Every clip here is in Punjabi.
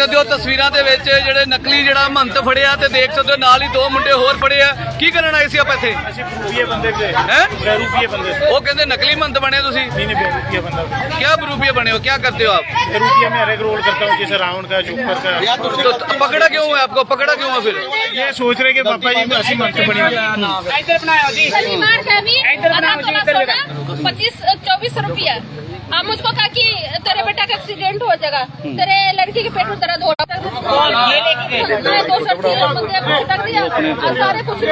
ਸਕਦੇ ਹੋ ਤਸਵੀਰਾਂ ਦੇ ਵਿੱਚ ਜਿਹੜੇ ਨਕਲੀ ਜਿਹੜਾ ਮਹੰਤ ਫੜਿਆ ਤੇ ਦੇਖ ਸਕਦੇ ਹੋ ਨਾਲ ਹੀ ਦੋ ਮੁੰਡੇ ਹੋਰ ਫੜੇ ਆ। ਕੀ ਕਰਨ ਆਏ ਸੀ ਆਪਾਂ ਇੱਥੇ? ਅਸੀਂ ਰੂਪੀਏ ਬੰਦੇ थे हैं रूपीए बंदे थे। ਉਹ ਕਹਿੰਦੇ ਨਕਲੀ ਮਹੰਤ ਬਣੇ ਤੁਸੀਂ? नहीं रूपीए बंदा था। क्या बरूपिया बने हो, क्या करते हो आप? रूपीए में हर एक रोल करता हूँ, जैसे रावण का, जोकर का। तो पकड़ा क्यों है आपको, पकड़ा क्यों है फिर? ये सोच रहे कि पापा जी ऐसी मंत बनी शनिवार का भी आधा तोला सोना 25-24 रुपया। अब मुझको कहा कि तेरे बेटा का एक्सीडेंट हो जाएगा, तेरे लड़की के पेट में दर्द हो रहा है, 2 सब्जी रख दिया और सारे कुछ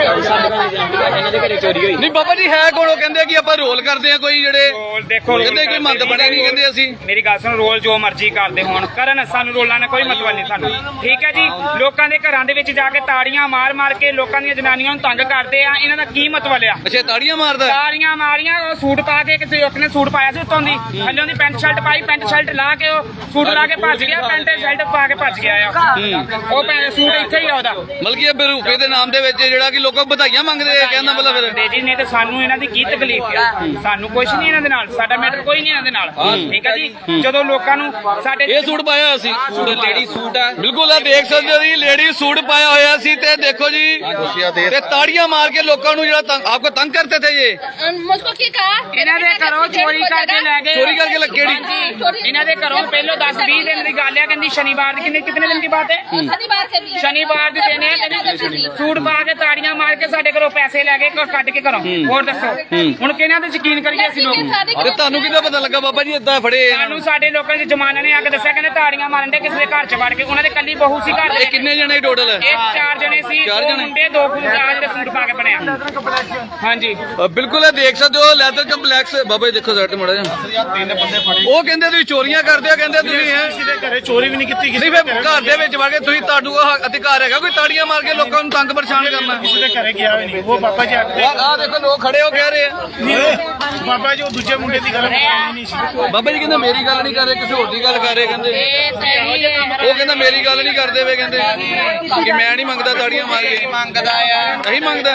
नहीं बाबा जी है कौन? कहते कि ਆਪਾਂ ਰੋਲ ਕਰਦੇ ਆ ਕੋਈ ਜਿਹੜੇ ਦੇਖੋ ਕਹਿੰਦੇ ਕੋਈ ਮਹੰਤ ਬਣੇ ਨਹੀਂ ਕਹਿੰਦੇ ਅਸੀਂ। ਮੇਰੀ ਗੱਲ ਸੁਣ, ਰੋਲ ਜੋ ਮਰਜ਼ੀ ਕਰਦੇ ਹੋਣ ਕਰਨ, ਸਾਨੂੰ ਰੋਲਾਂ ਨਾਲ ਕੋਈ ਮਤਲਬ ਨਹੀਂ ਸਾਨੂੰ, ਠੀਕ ਹੈ ਜੀ। ਲੋਕਾਂ ਦੇ ਘਰਾਂ ਦੇ ਵਿੱਚ ਜਾ ਕੇ ਤਾੜੀਆਂ ਮਾਰ ਮਾਰ ਕੇ ਲੋਕਾਂ ਦੀਆਂ ਜਨਾਨੀਆਂ ਨੂੰ ਤੰਗ ਕਰਦੇ ਆ, ਇਹਨਾਂ ਦਾ ਕੀ ਮਤਲਬ ਆ? ਅੱਛਾ ਤਾੜੀਆਂ ਮਾਰਦਾ? ਤਾੜੀਆਂ ਮਾਰੀਆਂ, ਉਹ ਸੂਟ ਪਾ ਕੇ ਕਿਸੇ ਇੱਕ ਨੇ ਸੂਟ ਪਾਇਆ ਸੀ ਉੱਤੋਂ ਦੀ, ਥੱਲੋਂ ਦੀ ਪੈਂਟ ਸ਼ਰਟ ਪਾਈ, ਪੈਂਟ ਸ਼ਰਟ ਲਾ ਕੇ ਉਹ ਸੂਟ ਲਾ ਕੇ ਭੱਜ ਗਿਆ, ਪੈਂਟ ਸ਼ਰਟ ਪਾ ਕੇ ਭੱਜ ਗਿਆ ਆ ਉਹ ਸੂਟ ਇੱਥੇ ਹੀ ਆ ਉਹਦਾ। ਮਤਲਬ ਕਿ ਇਹ ਬਰੂਪੇ ਦੇ ਨਾਮ ਦੇ ਵਿੱਚ ਜਿਹੜਾ ਕਿ ਲੋਕਾਂ ਵਧਾਈਆਂ ਮੰਗਦੇ ਆ, ਕਹਿੰਦਾ ਮਤਲਬ ਫਿਰ ਜੀ ਨਹੀਂ ਤੇ ਸਾਨੂੰ ਇਹਨਾਂ ਦੀ ਕੀ ਤਕਲੀਫ ਆ? ਸਾਨੂੰ ਕੁਝ ਨਹੀਂ ਇਹਨਾਂ ਦੇ ਨਾਲ, ਸਾਡਾ ਮੈਟਰ ਕੋਈ ਨਹੀਂ ਇਹਨਾਂ ਦੇ ਨਾਲ, ਠੀਕ ਹੈ ਜੀ। ਜਦੋਂ ਲੋਕਾਂ ਨੂੰ ਸਾਡੇ ਇਹ ਸੂਟ ਪਾਇਆ ਹੋਇਆ ਸੀ, ਲੇਡੀ ਸੂਟ ਆ, ਬਿਲਕੁਲ ਆ ਦੇਖ ਸਕਦੇ ਹੋ ਜੀ, ਲੇਡੀ ਸੂਟ ਪਾਇਆ ਹੋਇਆ ਸੀ ਤੇ ਦੇਖੋ ਜੀ ਤੇ ਤਾੜੀਆਂ ਮਾਰ ਕੇ ਲੋਕਾਂ ਨੂੰ ਜਿਹੜਾ ਆਪਕੋ ਤੰਗ ਕਰਤੇ ਥੇ। ਇਹ मुझको क्या कहा? ਇਹਨਾਂ ਦੇ ਘਰੋਂ ਚੋਰੀ ਕਰਕੇ ਲੈ ਗਏ, ਚੋਰੀ ਕਰਕੇ ਕਿਹੜੀ? ਇਹਨਾਂ ਦੇ ਘਰੋਂ ਪਹਿਲੋਂ 10-20 ਦਿਨ ਦੀ ਗੱਲ ਆ, ਕਹਿੰਦੀ ਸ਼ਨੀਵਾਰ ਦੀ, ਕਿਤਨੇ ਦਿਨ ਦੀ ਬਾਤ ਹੈ? शनिवार से भी ਸ਼ਨੀਵਾਰ ਦੀ ਦਿਨ ਹੈ, ਕਹਿੰਦੀ ਸੂਟ ਪਾ ਕੇ ਤਾੜੀਆਂ ਮਾਰ ਕੇ ਸਾਡੇ ਘਰੋਂ ਪੈਸੇ ਲੈ ਗਏ, ਕੱਢ ਕੇ ਘਰੋਂ। ਹੋਰ ਦੱਸੋ ਹੁਣ ਕਿਹਨਾਂ ਤੇ ਯਕੀਨ ਕਰੀਏ ਅਸੀਂ ਲੋਕ? ਤੇ ਤੁਹਾਨੂੰ ਕਿੱਦਾਂ ਪਤਾ ਲੱਗਾ ਬਾਬਾ ਜੀ ਏਦਾਂ ਫੜੇ ਇਹਨਾਂ ਸਾਨੂੰ ਨੂੰ? ਸਾਡੇ ਲੋਕਾਂ ਦੇ ਜਮਾਨਾ ਨੇ ਆ ਕੇ ਦੱਸਿਆ, ਕਹਿੰਦੇ ਤਾੜੀਆਂ ਮਾਰਨ ਦੇ ਕਿਸੇ ਦੇ ਘਰ ਚ ਵੜ ਕੇ, ਉਹਨਾਂ ਦੇ ਕੱਲੀ ਬਹੂ ਸੀ ਘਰ ਦੇ। ਇਹ ਕਿੰਨੇ ਜਣੇ ਟੋਟਲ? ਇਹ 4 ਜਣੇ ਸੀ, 2 ਮੁੰਡੇ 2 ਕੁੜੀਆਂ ਜਿਹੜੇ ਸੂਟ ਪਾ ਕੇ ਬਣਿਆ। ਹਾਂਜੀ ਬਿਲਕੁਲ ਇਹ ਦੇਖ ਸਕਦੇ ਹੋ ਲੈਦਰ ਕੰਪਲੈਕਸ। ਬਾਬਾ ਜੀ ਦੇਖੋ ਸਾਈਡ ਤੇ ਮੜਾ ਜਾ। 3 ਬੰਦੇ फड़े। ਉਹ ਕਹਿੰਦੇ ਤੁਸੀਂ ਚੋਰੀਆਂ ਕਰਦੇ ਹੋ, ਕਹਿੰਦੇ ਤੁਸੀਂ ਹੈ किसी के घरे चोरी भी नहीं की, किसी ਨਹੀਂ ਫਿਰ ਘਰ ਦੇ ਵਿੱਚ ਵੜ ਕੇ ਤੁਸੀਂ ਤੁਹਾਨੂੰ ਉਹ ਅਧਿਕਾਰ ਹੈਗਾ ਕੋਈ ਤਾੜੀਆਂ ਮਾਰ ਕੇ ਲੋਕਾਂ ਨੂੰ ਤੰਗ ਪਰੇਸ਼ਾਨ ਕਰਨਾ? किसी के घरे गया भी नहीं। वो पापा जी आते ਆਹ ਦੇਖੋ ਲੋਕ ਖੜੇ ਹੋ ਕਹਿ ਰਹੇ ਆ। पापा जी वो दूसरे मुंडे की गल नहीं सी। ਬਾਬਾ ਜੀ ਕਹਿੰਦੇ ਮੇਰੀ ਗੱਲ ਨਹੀਂ ਕਰ ਰਹੇ, ਕਿਸੇ ਹੋਰ ਦੀ ਗੱਲ ਕਰ ਰਹੇ ਕਹਿੰਦੇ। ਉਹ ਕਹਿੰਦਾ ਮੇਰੀ ਗੱਲ ਨਹੀਂ ਕਰਦੇ ਵੇ, ਕਹਿੰਦੇ ਕਿ ਮੈਂ ਨਹੀਂ ਮੰਗਦਾ ਤਾੜੀਆਂ ਮਾਰ ਕੇ। ਮੰਗਦਾ ਆ, ਨਹੀਂ ਮੰਗਦਾ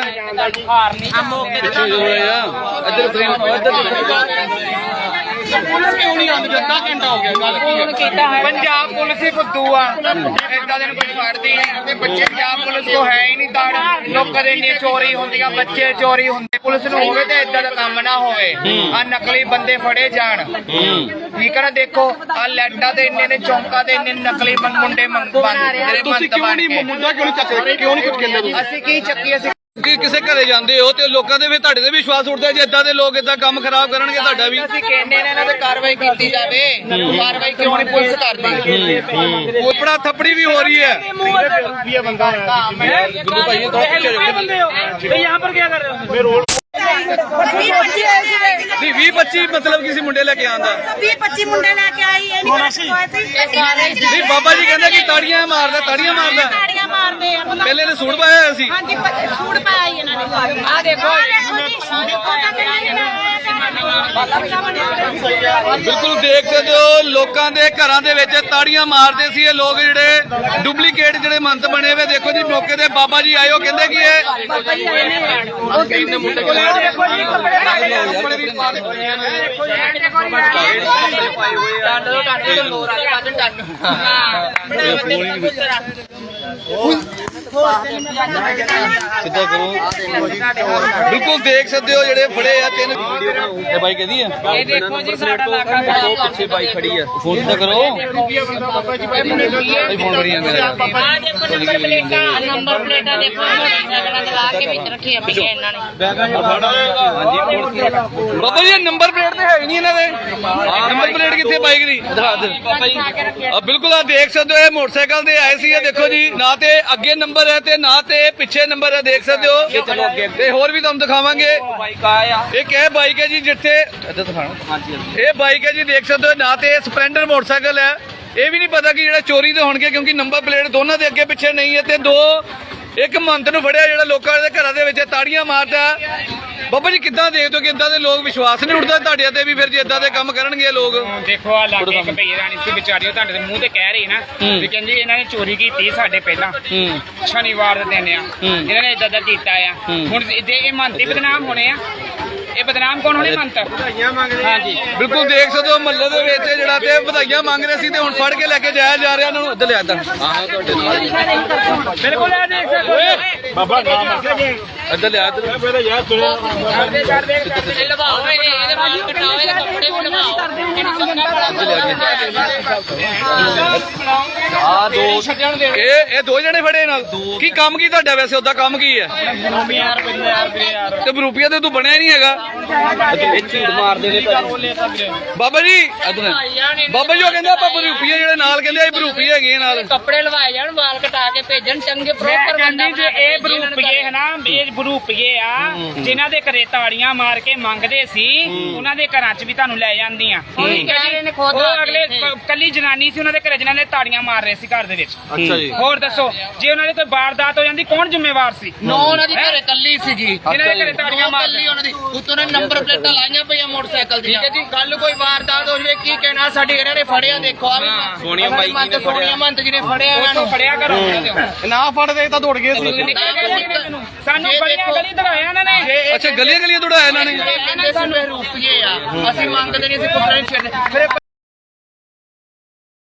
ਪਿੱਛੇ ਜੋ ਆ ਇੱਧਰ ਫਰੇਮ ਇੱਧਰ ਕਿਉਂ ਨਹੀਂ ਆਉਂਦੀ? ਅੱਧਾ ਘੰਟਾ ਹੋ ਗਿਆ ਗੱਲ ਕੀ? ਪੰਜਾਬ ਪੁਲਿਸ ਹੀ ਫੁੱਦੂ ਆ, ਏਦਾਂ ਦੇ ਨੂੰ ਕੋਈ ਫੜਦੀ ਨਹੀਂ ਤੇ ਬੱਚੇ ਪੰਜਾਬ ਪੁਲਿਸ ਕੋ ਹੈ ਹੀ ਨਹੀਂ ਤਾੜ। ਲੋਕਾਂ ਦੇ ਇੰਨੀ ਚੋਰੀ ਹੁੰਦੀਆਂ, ਬੱਚੇ ਚੋਰੀ ਹੁੰਦੇ, ਪੁਲਿਸ ਨੂੰ ਹੋਵੇ ਤੇ ਏਦਾਂ ਦਾ ਕੰਮ ਨਾ ਹੋਵੇ, ਆ ਨਕਲੀ ਬੰਦੇ ਫੜੇ ਜਾਣ, ਠੀਕ ਹੈ ਨਾ। ਦੇਖੋ ਆ ਲੈਟਾਂ ਦੇ ਇੰਨੇ ਨੇ, ਚੌਂਕਾਂ ਦੇ ਇੰਨੇ ਨਕਲੀ ਮੁੰਡੇ ਜਿਹੜੇ ਤੁਸੀਂ ਕਿਉਂ ਨਹੀਂ ਮੁੰਡਾ ਕਿਉਂ ਨਹੀਂ ਚੱਕਦੇ, ਕਿਉਂ ਨਹੀਂ ਕੁਝ ਕਹਿੰਦੇ ਤੁਸੀਂ? ਅਸੀਂ ਕੀ ਚੱਕੀ? ਅਸੀਂ ਕਿ ਕਿਸੇ ਘਰੇ ਜਾਂਦੇ ਹੋ ਤੇ ਲੋਕਾਂ ਦੇ ਵੀ ਤੁਹਾਡੇ ਤੇ ਵਿਸ਼ਵਾਸ ਉੱਠਦਾ ਜੇ ਏਦਾਂ ਦੇ ਲੋਕ ਏਦਾਂ ਕੰਮ ਖਰਾਬ ਕਰਨਗੇ ਤੁਹਾਡਾ ਵੀ। ਅਸੀਂ ਕਹਿੰਦੇ ਨੇ ਇਹਨਾਂ ਤੇ ਕਾਰਵਾਈ ਕੀਤੀ ਜਾਵੇ, ਕਾਰਵਾਈ ਕਿਉਂ ਨਹੀਂ ਪੁਲਿਸ ਕਰਦੀ? ਉਪੜਾ ਥੱਪੜੀ ਵੀ ਹੋ ਰਹੀ ਹੈ। रूपीए बंदा है। ਗੁਰੂ ਭਾਈ ਇਹ ਥੋੜਾ ਪਿੱਛੇ ਜਾਓ। यहाँ पर क्या कर रहे हो? मैं रोड ਨਹੀਂ 20-25 ਮਤਲਬ ਕਿਸੇ ਮੁੰਡੇ ਲੈ ਕੇ ਆਂਦਾ 20-25 ਮੁੰਡੇ ਲੈ ਕੇ ਆਈ, ਇਹ ਨਹੀਂ ਨਹੀਂ ਬਾਬਾ ਜੀ ਕਹਿੰਦੇ ਕਿ ਤਾੜੀਆਂ ਮਾਰਦਾ, ਤਾੜੀਆਂ ਮਾਰਦਾ। ਤਾੜੀਆਂ ਮਾਰਦੇ ਆ। ਪਹਿਲੇ ਨੇ ਸੂਟ ਪਾਇਆ ਹੋਇਆ ਸੀ। ਹਾਂਜੀ ਸੂਟ ਪਾਇਆ ਹੀ ਇਹਨਾਂ ਨੇ। ਆ ਦੇਖੋ ਬਿਲਕੁਲ ਦੇਖ ਸਕਦੇ ਹੋ ਲੋਕਾਂ ਦੇ ਘਰਾਂ ਦੇ ਵਿੱਚ ਤਾੜੀਆਂ ਮਾਰਦੇ ਸੀ ਇਹ ਲੋਕ, ਜਿਹੜੇ ਡੁਪਲੀਕੇਟ ਜਿਹੜੇ ਮੰਤ ਬਣੇ ਹੋਏ। ਦੇਖੋ ਜੀ ਮੌਕੇ ਤੇ ਬਾਬਾ ਜੀ ਆਏ, ਉਹ ਕਹਿੰਦੇ ਕਿ ਇਹ ਮੁੰਡੇ ਕੋਲ ਸਿੱਧਾ ਕਰੋ। ਬਿਲਕੁਲ ਦੇਖ ਸਕਦੇ ਹੋ ਜਿਹੜੇ ਫੜੇ ਆ 3 ਇਹ ਬਾਈਕ ਇਹਦੀ ਆ। ਇਹ ਦੇਖੋ ਜੀ ਸਾਡਾ ਇਲਾਕਾ ਪਿੱਛੇ ਬਾਈਕ ਖੜੀ ਆ, ਫੋਨ ਸਿੱਧਾ ਕਰੋ। रूपीए बंदा पापा जी ਇਹ ਫੋਨ ਕਰੀ ਜਾਂਦੇ ਆ। ਆ ਦੇਖੋ ਨੰਬਰ ਪਲੇਟਾਂ, ਨੰਬਰ ਪਲੇਟਾਂ ਦੇਖੋ ਲਗਾ ਕੇ ਵਿੱਚ ਰੱਖੀਆਂ ਪਈਆਂ ਇਹਨਾਂ ਨੇ। ਬਾਬਾ ਜੀ ਨੰਬਰ ਪਲੇਟ ਤੇ ਹੈ ਨਹੀਂ ਇਹਨਾਂ ਦੇ। ਨੰਬਰ ਪਲੇਟ ਕਿੱਥੇ ਬਾਈਕ ਦੀ? ਦਿਖਾ ਦੇ ਬਾਬਾ ਜੀ। ਆ ਬਿਲਕੁਲ ਆ ਦੇਖ ਸਕਦੇ ਹੋ ਇਹ ਮੋਟਰਸਾਈਕਲ ਤੇ ਆਏ ਸੀ। ਇਹ ਦੇਖੋ ਜੀ ਨਾ ਤੇ ਅੱਗੇ ਨੰਬਰ ਹੈ ਤੇ ਨਾ ਤੇ ਪਿੱਛੇ ਨੰਬਰ ਹੈ, ਦੇਖ ਸਕਦੇ ਹੋ। ਤੇ ਹੋਰ ਵੀ ਤੁਹਾਨੂੰ ਦਿਖਾਵਾਂਗੇ। ਇਹ ਕਿਹ ਬਾਈਕ ਹੈ ਜੀ ਜਿੱਥੇ ਇੱਧਰ ਦਿਖਾਣਾ। ਇਹ ਬਾਈਕ ਹੈ ਜੀ ਦੇਖ ਸਕਦੇ ਹੋ, ਨਾ ਤੇ ਸਪਲੈਂਡਰ ਮੋਟਰਸਾਈਕਲ ਹੈ। ਇਹ ਵੀ ਨਹੀਂ ਪਤਾ ਕਿ ਜਿਹੜਾ ਚੋਰੀ ਦੇ ਹੋਣਗੇ ਕਿਉਂਕਿ ਨੰਬਰ ਪਲੇਟ ਦੋਨਾਂ ਦੇ ਅੱਗੇ ਪਿੱਛੇ ਨਹੀਂ ਹੈ। ਤੇ ਇੱਕ ਮੰਤ ਨੂੰ ਫੜਿਆ ਜਿਹੜਾ ਲੋਕਾਂ ਦੇ ਘਰਾਂ ਦੇ ਵਿੱਚ ਤਾੜੀਆਂ ਮਾਰਦਾ। ਬਾਬਾ ਜੀ ਕਿੱਦਾਂ ਦੇਖਦੇ ਹੋ ਕਿ ਇਦਾਂ ਦੇ ਲੋਕ ਵਿਸ਼ਵਾਸ ਨਹੀਂ ਉੱਠਦਾ ਤੁਹਾਡੇ ਤੇ ਵੀ ਫਿਰ ਜੇ ਇਦਾਂ ਦੇ ਕੰਮ ਕਰਨਗੇ ਲੋਕ? ਦੇਖੋ ਆ ਲਾਗੇ ਇੱਕ ਭਈਏ ਰਾਣੀ ਸੀ ਵਿਚਾਰੀ, ਉਹ ਤੁਹਾਡੇ ਦੇ ਮੂੰਹ ਤੇ ਕਹਿ ਰਹੀ ਨਾ ਵੀ ਕਹਿੰਦੀ ਇਹਨਾਂ ਨੇ ਚੋਰੀ ਕੀਤੀ ਸਾਡੇ ਪਹਿਲਾਂ ਸ਼ਨੀਵਾਰ ਦੇ ਦਿਨ ਆ, ਇਹਨਾਂ ਨੇ ਇਦਾਂ ਦਾ ਕੀਤਾ ਆ। ਹੁਣ ਜੇ ਇਹ ਮੰਤੀ ਬਦਨਾਮ ਹੋਣੇ ਆ, ਇਹ ਬਦਨਾਮ ਕੌਣ ਹੋਣੀ ਮੰਤ ਹਾਂਜੀ ਬਿਲਕੁਲ ਦੇਖ ਸਕਦੇ ਹੋ ਮਹੱਲੇ ਦੇ ਵਿੱਚ ਜਿਹੜਾ ਤੇ ਵਧਾਈਆਂ ਮੰਗ ਰਹੇ ਸੀ ਤੇ ਹੁਣ ਫੜ ਕੇ ਲੈ ਕੇ ਜਾਇਆ ਜਾ ਰਿਹਾ ਇਹਨਾਂ ਨੂੰ ਇੱਧਰ ਲਿਆ ਇੱਧਰ ਬਿਲਕੁਲ ਇਹ ਦੇਖ ਸਕਦੇ ਬਾਬਾ ਨਾਮ ਰੱਖਿਆ ਜੀ ਇੱਧਰ ਲਿਆ ਇੱਧਰ ਪਹਿਲਾਂ ਯਾਰ ਇਹ ਦੋ ਜਣੇ ਫੜੇ ਨਾਲ ਕੀ ਕੰਮ ਕੀ ਤੁਹਾਡਾ ਵੈਸੇ ਉਹਦਾ ਕੰਮ ਕੀ ਹੈ ਤੇ ਰੁਪਈਆ ਤੇ ਤੂੰ ਬਣਿਆ ਨਹੀਂ ਹੈਗਾ ਬਾਬਾ ਜੀ ਇੱਧਰ ਬਾਬਾ ਜੀ ਉਹ ਕਹਿੰਦੇ ਆਪਾਂ ਰੁਪਈਏ ਜਿਹੜੇ ਨਾਲ ਕਹਿੰਦੇ ਆ ਰੁਪਈਏ ਹੈਗੇ ਨਾਲ ਕੱਪੜੇ ਲਵਾਏ ਜਾਣ ਵਾਲ ਕਟਾ ਕੇ ਭੇਜਣ ਚੰਗੇ ਪ੍ਰੋਪਰ ਬੰਦਾ ਜੇ ਇਹ ਬਰੂਪੀਏ ਹੈ ਨਾ ਇਹ ਬਰੂਪੀਏ ਆ ਜਿਨ੍ਹਾਂ ਦੇ ਘਰੇ ਤਾੜੀਆਂ ਮਾਰ ਕੇ ਮੰਗਦੇ ਸੀ ਉਹਨਾਂ ਦੇ ਘਰਾਂ 'ਚ ਵੀ ਤੁਹਾਨੂੰ ਲੈ ਜਾਂਦੀਆਂ ਠੀਕ ਹੈ ਜੀ ਉਹ ਅਗਲੇ ਕੱਲੀ ਜਨਾਨੀ ਸੀ ਉਹਨਾਂ ਦੇ ਘਰੇ ਜਿਨ੍ਹਾਂ ਨੇ ਤਾੜੀਆਂ ਮਾਰ ਰਹੇ ਸੀ ਘਰ ਦੇ ਵਿੱਚ ਅੱਛਾ ਜੀ ਹੋਰ ਦੱਸੋ ਜੇ ਉਹਨਾਂ ਦੇ ਕੋਈ ਵਾਰਦਾਤ ਹੋ ਜਾਂਦੀ ਕੌਣ ਜ਼ਿੰਮੇਵਾਰ ਸੀ ਨੋ ਉਹਨਾਂ ਦੀ ਘਰੇ ਕੱਲੀ ਸੀਗੀ ਜਿਨ੍ਹਾਂ ਦੇ ਘਰੇ ਤਾੜੀਆਂ ਮਾਰ ਕੱਲੀ ਉਹਨਾਂ ਦੀ ਉੱਤੋਂ ਨੇ ਨੰਬਰ ਪਲੇਟਾਂ ਲਾਈਆਂ ਪਈਆਂ ਮੋਟਰਸਾਈਕਲ ਦੀਆਂ ਠੀਕ ਹੈ ਜੀ ਕੱਲ ਕੋਈ ਵਾਰਦਾਤ ਹੋ ਜਵੇ ਕੀ ਕਹਿਣਾ ਸਾਡੇ ਇਹਨਾਂ ਨੇ ਫੜਿਆ ਦੇਖੋ ਆ ਸੋਨੀਆ ਬਾਈ ਜੀ ਨੇ ਸੋਨੀਆ ਮੰਤ ਜੀ ਨੇ ਫੜਿਆ ਇਹਨਾਂ ਨੂੰ ਫੜਿਆ ਕਰੋ ਨਾ ਫੜਦੇ ਤਾਂ ਦੌੜ ਗਏ ਸੀ ਸਾਨੂੰ ਬੜੀਆਂ ਗਲੀ ਦੜਾਇਆ ਇਹਨਾਂ ਨੇ ਅੱਛਾ ਗਲੀਆਂ ਗਲੀਆਂ ਦੌੜਾਇਆ ਇਹਨਾਂ ਨੇ ਸਾਨੂੰ ਰੁਪਈਏ ਆ ਅਸੀਂ ਮੰਗਦੇ ਨਹੀਂ ਅਸੀਂ ਕੁੱਟਣੇ ਛੱਡ